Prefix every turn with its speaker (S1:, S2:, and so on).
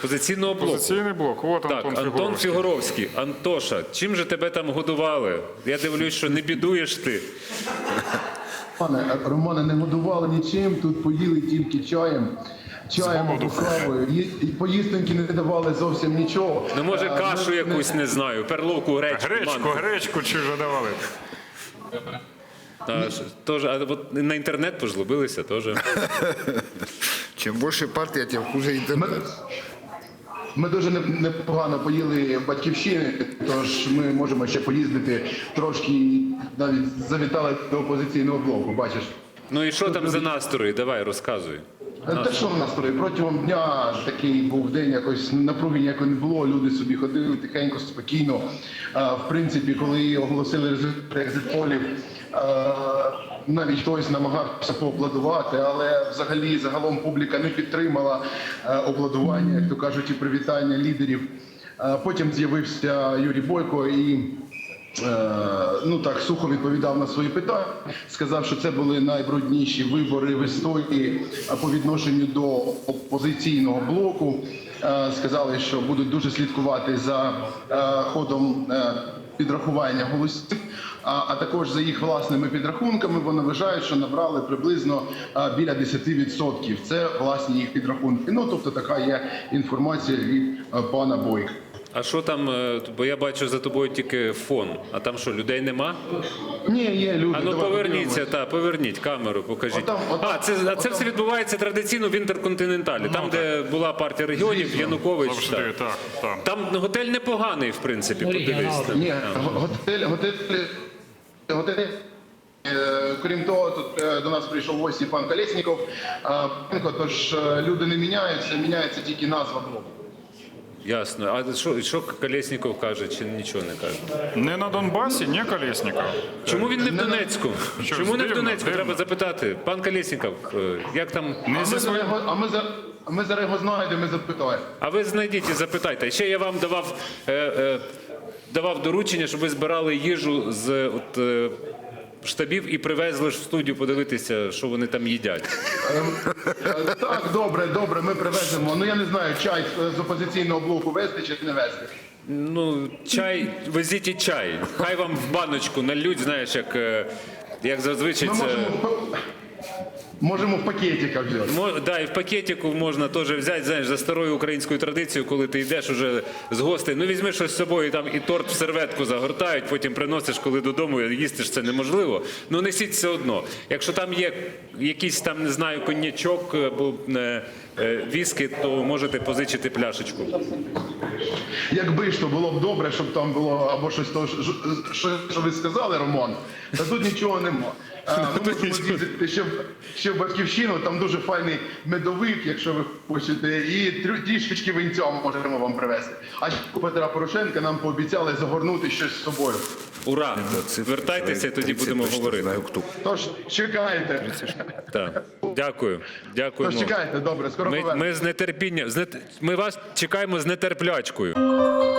S1: «Опозиційного блоку».
S2: «Опозиційний блок». От
S1: Так, Антон Фігуровський. Антоша, чим же тебе там годували? Я дивлюсь, що не бідуєш ти.
S3: Романе, не годували нічим, тут поїли тільки чаєм або кавою. І поїстоньки не давали зовсім нічого.
S1: Ну, може, кашу якусь, не знаю, перловку, гречку, манку.
S2: Гречку чи вже давали?
S1: А от на інтернет пожлобилися теж.
S4: Чим більше партія, тим хуже інтернет.
S3: Ми дуже непогано поїли батьківщини, тож ми можемо ще поїздити трошки, і навіть завітали до «Опозиційного блоку», бачиш.
S1: Ну і що там за настрої? Давай, розказуй.
S3: Те, що в настрої? Протягом дня такий був день, якось напруги ніякої не було, люди собі ходили тихенько, спокійно. В принципі, коли оголосили результати екзит-полів, навіть хтось намагався поаплодувати, але взагалі загалом публіка не підтримала аплодування, як то кажуть, і привітання лідерів. Потім з'явився Юрій Бойко і сухо відповідав на свої питання, сказав, що це були найбрудніші вибори в історії по відношенню до «Опозиційного блоку». Сказали, що будуть дуже слідкувати за ходом підрахування голосів, а також за їх власними підрахунками. Вони вважають, що набрали приблизно біля 10%. Це власні їх підрахунки. Ну, тобто така є інформація від пана Бойка.
S1: А що там, бо я бачу за тобою тільки фон, а там що, людей нема?
S3: Ні, є люди.
S1: А ну поверніться, поверніть камеру, покажіть. Це все відбувається традиційно в Інтерконтиненталі, там, де була партія регіонів, Янукович.
S2: Завжди, так.
S1: Там готель непоганий, в принципі, подивись.
S3: Ні, готель. Крім того, тут до нас прийшов в гості пан Колєсніков. Тож люди не міняються, міняється тільки назва блоку.
S1: Ясно. А що Колєсніков каже, чи нічого не каже?
S2: Не на Донбасі, не Колєсніков.
S1: Чому він не в Донецьку? Чому не в Донецьку? Треба запитати. Пан Колєсніков, як там?
S3: А ми зараз його знайдемо і запитаємо.
S1: А ви знайдіть і запитайте. Ще я вам давав доручення, щоб ви збирали їжу з штабів і привезли ж в студію подивитися, що вони там їдять.
S3: Так, добре, ми привеземо. Ну я не знаю, чай з «Опозиційного блоку» везти чи не везти.
S1: Ну, чай, везіть і чай. Хай вам в баночку нальють, знаєш, як зазвичай це...
S3: Можемо в пакетиках взяти.
S1: Да, і в пакетику можна теж взяти, знаєш, за старою українською традицією, коли ти йдеш уже з гостей. Ну, візьми щось з собою, там і торт в серветку загортають, потім приносиш, коли додому, їсти ж це неможливо. Ну, несіть все одно. Якщо там є якийсь там, не знаю, коньячок або віскі, то можете позичити пляшечку.
S3: Якби ж то було б добре, щоб там було або щось, що ви сказали, Роман, та тут нічого нема. Ми можемо з'їздити ще в Батьківщину, там дуже файний медовик, якщо ви хочете, і трішечки винця можемо вам привезти. А у Петра Порошенка нам пообіцяли загорнути щось з собою.
S1: Ура! Вертайтеся, тоді будемо говорити.
S3: Тож чекайте.
S1: Так. Дякую. Дякуємо.
S3: Тож чекайте, добре, скоро повернемо.
S1: Ми з нетерпінням, ми вас чекаємо з нетерплячкою.